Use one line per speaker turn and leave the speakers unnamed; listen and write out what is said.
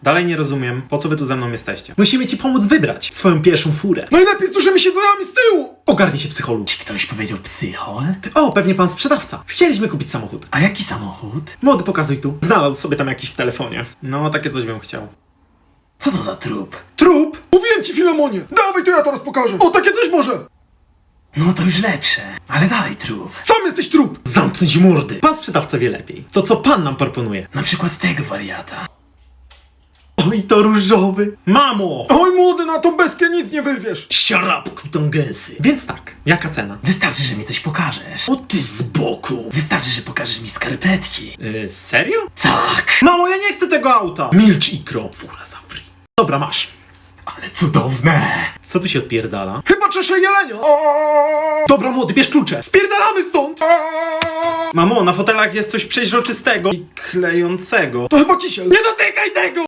Dalej nie rozumiem, po co wy tu ze mną jesteście. Musimy ci pomóc wybrać swoją pierwszą furę.
Najlepiej z dużymi siedzeniami z tyłu!
Ogarnij się, psycholu.
Czy ktoś powiedział psychol?
O, pewnie pan sprzedawca. Chcieliśmy kupić samochód.
A jaki samochód?
Młody, pokazuj tu. Znalazł sobie tam jakiś w telefonie. No, takie coś bym chciał.
Co to za trup?
Trup?
Mówiłem ci, Filemonie! Dawaj, to ja teraz pokażę! O, takie coś może!
No to już lepsze. Ale dalej trup.
Sam jesteś trup!
Zamknąć mordy. Pan sprzedawca wie lepiej. To co pan nam proponuje?
Na przykład tego wariata.
Oj, to różowy. Mamo!
Oj, młody, na tą bestię nic nie wyrwiesz!
Siarapku tą gęsy. Więc tak, jaka cena?
Wystarczy, że mi coś pokażesz.
O ty z boku.
Wystarczy, że pokażesz mi skarpetki.
Serio?
Tak.
Mamo, ja nie chcę tego auta. Milcz, ikro. Fura za free. Dobra, masz.
Ale cudowne.
Co tu się odpierdala?
Chyba czeszę jelenia!
Dobra, młody, bierz klucze.
Spierdalamy stąd!
Mamo, na fotelach jest coś przeźroczystego i klejącego.
To chyba kisiel. Nie dotykaj tego!